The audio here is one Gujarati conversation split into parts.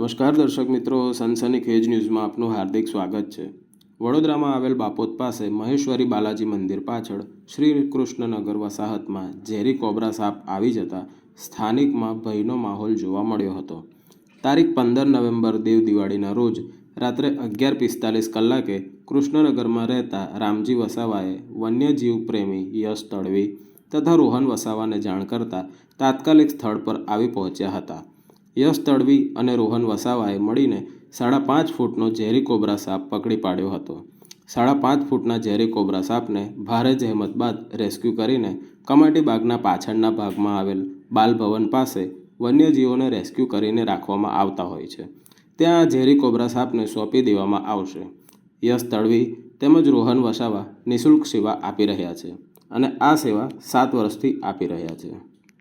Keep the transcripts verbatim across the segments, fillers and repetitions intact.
નમસ્કાર દર્શક મિત્રો, સનસનીખેજ ન્યૂઝમાં આપનું હાર્દિક સ્વાગત છે। વડોદરામાં આવેલ બાપોદ પાસે મહેશ્વરી બાલાજી મંદિર પાછળ શ્રી કૃષ્ણનગર વસાહતમાં ઝેરી કોબ્રા સાપ આવી જતા સ્થાનિકમાં ભયનો માહોલ જોવા મળ્યો હતો। તારીખ પંદર નવેમ્બર દેવ દિવાળીના રોજ રાત્રે અગિયાર પિસ્તાલીસ કલાકે કૃષ્ણનગરમાં રહેતા રામજી વસાવાએ વન્યજીવ પ્રેમી યશ તડવી તથા રોહન વસાવાને જાણ કરતા તાત્કાલિક સ્થળ પર આવી પહોંચ્યા હતા। યશ તડવી અને રોહન વસાવાએ મળીને સાડા પાંચ ફૂટનો ઝેરી કોબ્રા સાપ પકડી પાડ્યો હતો। સાડા પાંચ ફૂટના ઝેરી કોબ્રા સાપને ભારે જહેમત બાદ રેસ્ક્યુ કરીને કમાટી બાગના પાછળના ભાગમાં આવેલ બાલભવન પાસે વન્યજીવોને રેસ્ક્યુ કરીને રાખવામાં આવતા હોય છે, ત્યાં આ ઝેરી કોબ્રા સાપને સોંપી દેવામાં આવશે। યશ તડવી તેમજ રોહન વસાવા નિઃશુલ્ક સેવા આપી રહ્યા છે અને આ સેવા સાત વર્ષથી આપી રહ્યા છે।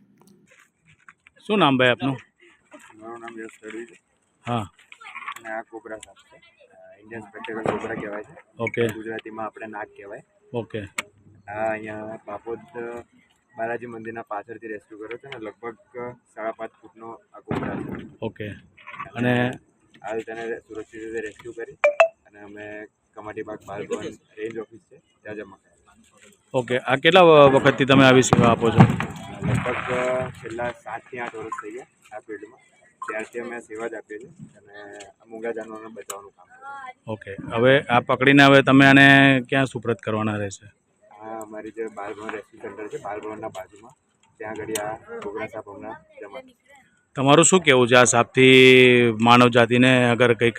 શું નામ ભાઈ આપનું? મારું નામ યશ તડવી છે। હા, અને આ કોબ્રા સાપ છે, ઇન્ડિયન સ્પેક્ટેકલ કોબ્રા કહેવાય છે। ઓકે ગુજરાતીમાં આપણે નાગ કહેવાય। ઓકે આ અહીંયા બાપોદ બાલાજી મંદિરના પાછળથી રેસ્ક્યુ કર્યો છે અને લગભગ સાડા પાંચ ફૂટનો આ કોબ્રા છે। ઓકે અને હાલ તેને સુરક્ષિત રીતે રેસ્ક્યુ કરી અને અમે કમાટી બાગ બાલભવન રેન્જ ઓફિસ છે ત્યાં જમા કર્યા। ઓકે આ કેટલા વખતથી તમે આવી સેવા આપો છો? લગભગ છેલ્લા સાતથી આઠ વર્ષ થઈ ગયા આ ફિલ્ડમાં, ત્યારથી અમે સેવા જ આપીએ છીએ અને મૂંગા જાનવરોને બચાવવાનું કામ કરીએ। ઓકે, હવે આ પકડીને હવે તમે આને ક્યાં સુપ્રત કરવાના રહેશે? આ અમારી જે બાલભવન રેસ્ક્યુ સેન્ટર છે બાલભવનના બાજુમાં, ત્યાં આગળ આ કોબ્રા સાપ હમણાં જમા છે। તમારું શું કહેવું છે આ સાપથી માનવ જાતિને અગર કંઈક?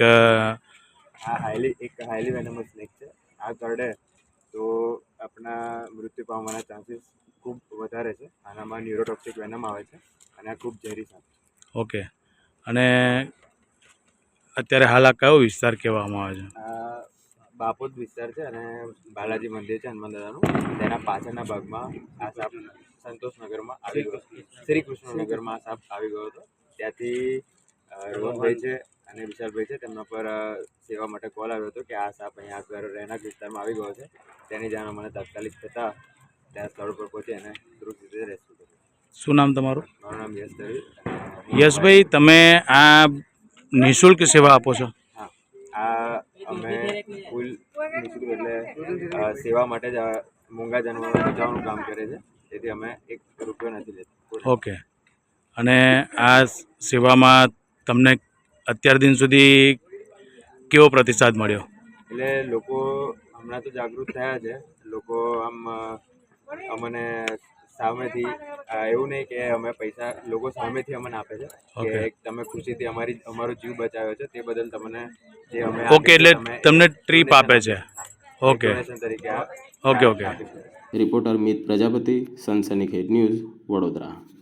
આ હાઈલી એક હાઈલી વેનમસ સ્નેક છે। આ કરડે તો આપણા મૃત્યુ પામવાના ચાન્સીસ ખૂબ વધારે છે। આનામાં ન્યુરોટોક્સિક વેનમ આવે છે અને આ ખૂબ ઝેરી સાપ છે। ઓકે, અને અત્યારે હાલ આ કયો વિસ્તાર કહેવામાં આવે છે? આ બાપોદ વિસ્તાર છે અને બાલાજી મંદિર છે હનુમાન દાદાનું, તેના પાછળના ભાગમાં આ સાપ સંતોષનગરમાં આવી ગયો, શ્રી કૃષ્ણનગરમાં આ સાપ આવી ગયો હતો। ત્યાંથી રોહનભાઈ છે અને વિશાલભાઈ છે, તેમના પર સેવા માટે કોલ આવ્યો હતો કે આ સાપ અહીંયા આગળ રહેણાંક વિસ્તારમાં આવી ગયો છે। તેની જાણ મને તાત્કાલિક થતાં ત્યાં સ્થળ પર પહોંચી અને સુરક્ષિત રીતે રેસ્ક્યુ કર્યો। શું નામ તમારું? મારું નામ યશ તડવી। યશભાઈ, તમે આ નિઃશુલ્ક સેવા આપો છો? હા, આ અમે ફૂલ નિઃશુલ્ક એટલે સેવા માટે જ મૂંગા જાનવરોને બચાવવાનું કામ કરે છે, તેથી અમે એક રૂપિયો નથી લેતા। ઓકે, અને આ સેવામાં તમને અત્યાર દિન સુધી કેવો પ્રતિસાદ મળ્યો? એટલે લોકો હમણાં તો જાગૃત થયા છે, લોકો આમ અમને સામેથી એવું નહીં કે અમે પૈસા, લોકો સામેથી અમને આપે છે કે તમે ખુશીથી અમારી અમારો જીવ બચાવ્યો છે તે બદલ તમને જે અમે ઓકે, એટલે તમને ટ્રીપ આપે છે? ઓકે તરીકે okay okay reporter Mit Prajapati, સનસનીખેજ ન્યૂઝ, વડોદરા।